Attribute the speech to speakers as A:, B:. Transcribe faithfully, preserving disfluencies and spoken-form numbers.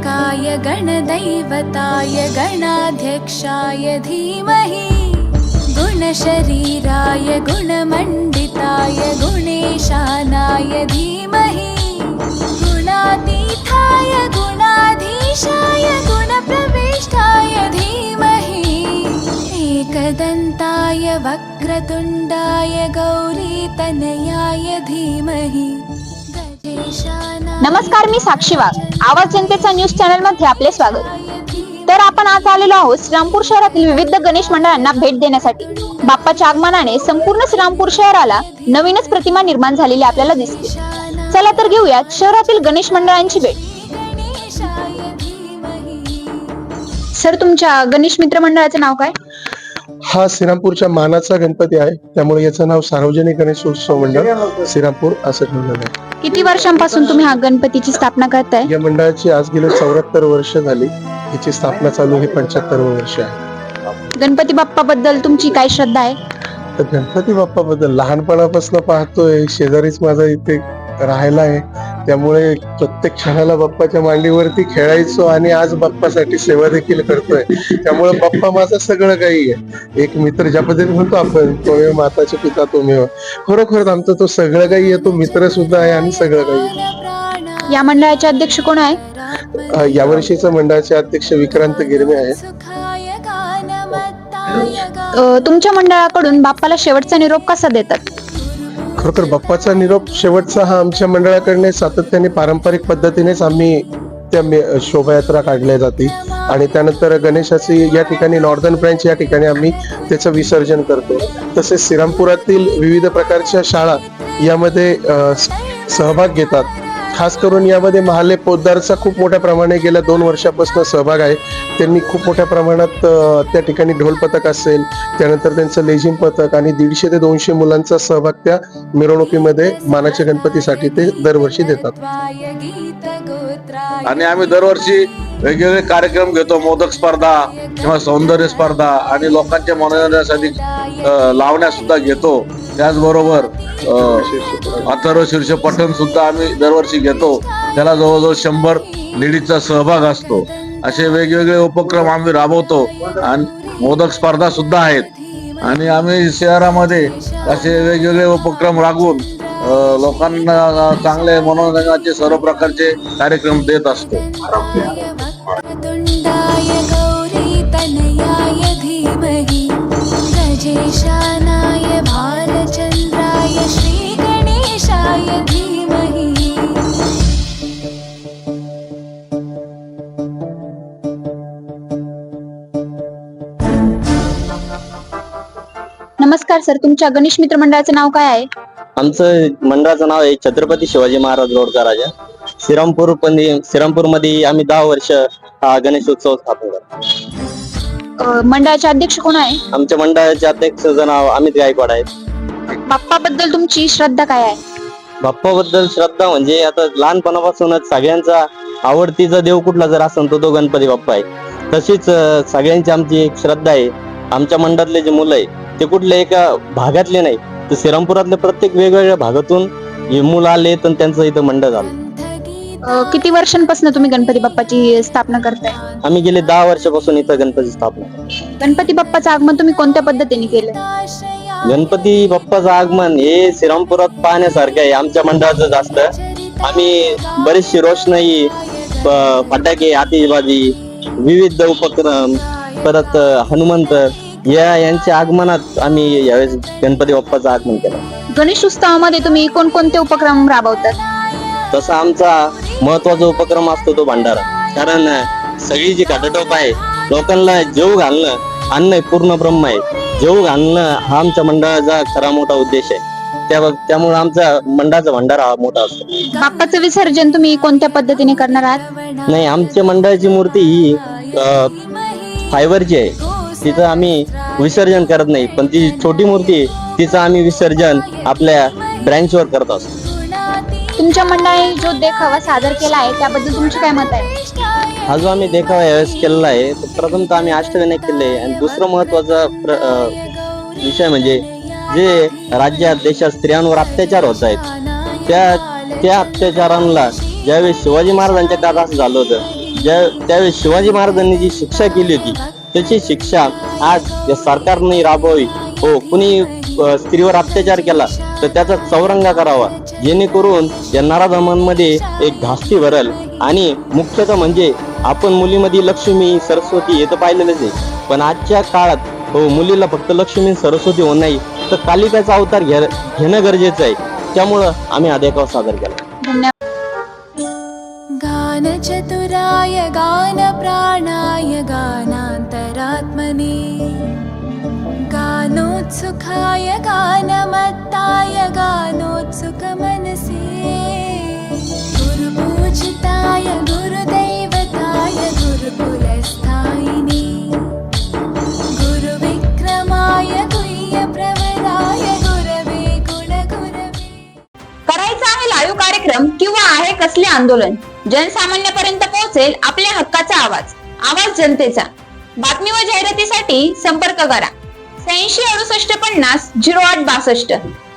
A: गणाध्यक्षाय गणदैवताय गणाध्यक्षाय धीमहि गुणशरीराय गुणमण्डिताय गुणेशानाय धीमहि गुणातीताय गुणाधीशाय गुणप्रविष्टाय धीमहि एकदन्ताय वक्रतुण्डाय गौरीतनयाय धीमहि।
B: नमस्कार, मी साक्षी वाघ. आवाज जनतेचा न्यूज चॅनल मध्ये आपले स्वागत. तर आपण आज आलेलो आहोत श्रीरामपूर शहरातील विविध गणेश मंडळांना भेट देण्यासाठी. बाप्पाच्या आगमनाने संपूर्ण श्रीरामपूर शहराला नवीनच प्रतिमा निर्माण झालेली आपल्याला दिसते. चला तर घेऊयात शहरातील गणेश मंडळांची भेट. सर, तुमच्या गणेश मित्र मंडळाचे नाव काय?
C: हा श्रीरामपूरच्या मानाचा गणपती आहे, त्यामुळे याचं नाव सार्वजनिक गणेशोत्सव मंडळ श्रीरामपूर असं ठेवलेलं आहे.
B: किती वर्षांपासून तुम्ही हा गणपतीची स्थापना करताय?
C: या मंडळाची आज गेले चौऱ्याहत्तर वर्ष झाली. याची स्थापना चालू हे पंच्याहत्तर वर्ष आहे.
B: गणपती बाप्पा बद्दल तुमची काय श्रद्धा आहे?
C: तर गणपती बाप्पा बद्दल लहानपणापासून पाहतोय, शेजारीच माझा इथे राहायला आहे, त्यामुळे प्रत्येक क्षणाला बाप्पाच्या मांडीवरती खेळायचो आणि आज बाप्पासाठी सेवा देखील करतोय. त्यामुळे बाप्पा माझं सगळं काही आहे. एक मित्र ज्या पद्धतीने म्हणतो आपण, तोमेव माताचे पिता तोमेव, खरोखर आमचं तो सगळं काही आहे. तो मित्र सुद्धा आहे आणि सगळं काही आहे.
B: या मंडळाचे अध्यक्ष कोण आहे?
C: यावर्षीचा मंडळाचे अध्यक्ष विक्रांत गिरमे आहेत.
B: तुमच्या मंडळाकडून बाप्पाला शेवटचा निरोप कसा देतात?
C: खरोखर बाप्पाचा निरोप शेवटचा हा आमच्या मंडळाकडे सातत्याने पारंपरिक पद्धतीनेच आम्ही त्या शोभायात्रा काढल्या जाते आणि त्यानंतर गणेशाची या ठिकाणी नॉर्दर्न ब्रँच या ठिकाणी आम्ही त्याचं विसर्जन करतो. तसेच श्रीरामपुरातील विविध प्रकारच्या शाळा यामध्ये सहभाग घेतात. खास करून यामध्ये महाले पोद्दारचा खूप मोठ्या प्रमाणे गेल्या दोन वर्षापासून सहभाग आहे. त्यांनी खूप मोठ्या प्रमाणात त्या ठिकाणी ढोल पथक असेल, त्यानंतर त्यांचं लेझिम पथक आणि दीडशे ते दोनशे मुलांचा सहभाग त्या मिरवणुकीमध्ये मानाच्या गणपतीसाठी ते दरवर्षी देतात.
D: आणि आम्ही दरवर्षी वेगवेगळे कार्यक्रम घेतो. मोदक स्पर्धा किंवा सौंदर्य स्पर्धा आणि लोकांच्या मनोरंजनासाठी लावण्या सुद्धा घेतो. त्याचबरोबर अथर्व शीर्ष पठण सुद्धा आम्ही दरवर्षी घेतो. त्याला जवळजवळ शंभर लेडीजचा सहभाग असतो. असे वेगवेगळे उपक्रम आम्ही राबवतो आणि मोदक स्पर्धा सुद्धा आहेत. आणि आम्ही शहरामध्ये असे वेगवेगळे उपक्रम राबवून लोकांना चांगले मनोरंजनाचे सर्व प्रकारचे कार्यक्रम देत असतो.
B: नमस्कार सर, तुमच्या गणेश मित्र मंडळाचे नाव काय आहे?
E: आमचं मंडळाचं नाव आहे छत्रपती शिवाजी महाराज रोडचा राजा. श्रीरामपूर श्रीरामपूर मध्ये आम्ही दहा वर्ष हा गणेशोत्सव स्थापन करतो.
B: मंडळाचे अध्यक्ष कोण आहे?
E: आमच्या मंडळाचे अध्यक्षाचं नाव अमित गायकवाड आहे.
B: बाप्पा बद्दल तुमची श्रद्धा काय आहे?
E: बाप्पा बद्दल श्रद्धा म्हणजे आता लहानपणापासूनच सगळ्यांचा आवडतीचा देव कुठला जर असेल तो तो गणपती बाप्पा आहे. तशीच सगळ्यांची आमची एक श्रद्धा आहे. आमच्या मंडळातले जे मुलं आहे ते कुठल्या एका भागातले नाही, तर श्रीरामपुरातल्या प्रत्येक वेगवेगळ्या भागातून हे मुलं आले तर त्यांचं इथं मंडळ झालं.
B: किती वर्षांपासून तुम्ही गणपती बाप्पाची स्थापना करताय?
E: आम्ही गेले दहा वर्षापासून इथं गणपती स्थापना.
B: गणपती बाप्पाचं आगमन तुम्ही कोणत्या पद्धतीने केलं?
E: गणपती बाप्पाचं आगमन हे श्रीरामपुरात पाहण्यासारखं आहे. आमच्या मंडळाचं जास्त आम्ही बरीचशी रोषणाई, फटाके, आतिषबाजी, विविध उपक्रम, परत हनुमंत या यांच्या आगमनात आम्ही यावेळेस गणपती बाप्पाचं आगमन केलं.
B: गणेश उत्सवामध्ये तुम्ही कोणकोणते उपक्रम राबवतात?
E: तसा आमचा महत्वाचा उपक्रम असतो तो भंडारा. कारण सगळी जी काटोटोप आहे, लोकांना जेव घालणं, अन्न पूर्ण ब्रह्म आहे, जेव घालणं हा आमच्या मंडळाचा खरा मोठा उद्देश आहे. त्या त्यामुळे आमचा मंडळाचा भंडारा हा मोठा असतो.
B: बाप्पाचं विसर्जन तुम्ही कोणत्या पद्धतीने करणार आहात?
E: नाही, आमच्या मंडळाची मूर्ती ही फायबरची आहे. तिचं आम्ही विसर्जन करत नाही, पण ती छोटी मूर्ती तिचं आम्ही विसर्जन आपल्या ब्रँचवर करत असतो.
B: तुमच्या मंडळाने जो देखावा सादर केला आहे त्याबद्दल तुमचे काय मत आहे?
E: हा जो आम्ही देखावा यावेळेस केलेला आहे तो प्रथमतः आम्ही अष्टविनायक केले. आणि दुसरं महत्वाचा विषय म्हणजे जे राज्यात देशात स्त्रियांवर अत्याचार होत आहेत त्या त्या अत्याचारांना ज्यावेळेस शिवाजी महाराजांच्या काळात असं झालं होतं ज्या त्यावेळेस शिवाजी महाराजांनी जी शिक्षा केली होती त्याची शिक्षा आज या सरकारने राबवावी. हो, कुणी अ, स्त्रीवर अत्याचार केला तर त्याचा चौरंगा करावा, जेणेकरून या नराधमांमध्ये एक धास्ती भरल. आणि मुख्यतः म्हणजे आपण मुलीमध्ये लक्ष्मी सरस्वती हे तर पाहिलेलंच आहे, पण आजच्या काळात हो मुलीला फक्त लक्ष्मी सरस्वती होत नाही तर कालिकाचा अवतार घ्या घेणं गरजेचं आहे. त्यामुळं आम्ही हा देखावा सादर केला.
B: धन्यवाद.
A: गानचतुराय गानप्राणाय गानान्तरात्मने गानोत्सुकाय गानमत्ताय गानोत्सुकमनसे गुरुपूजिताय गुरुदैवताय गुरुकुलस्थायिने गुरुविक्रमाय गुह्यप्रवराय गुरवे गुणगुरवे.
B: करायचा आहे लाईव्ह कार्यक्रम किंवा आहे कसले आंदोलन, जनसामान्यापर्यंत पोहोचेल आपल्या हक्काचा आवाज, आवाज जनतेचा. बातमी व जाहिरातीसाठी संपर्क करा शहाऐंशी अडुसष्ट पन्नास झिरो आठ बासष्ट.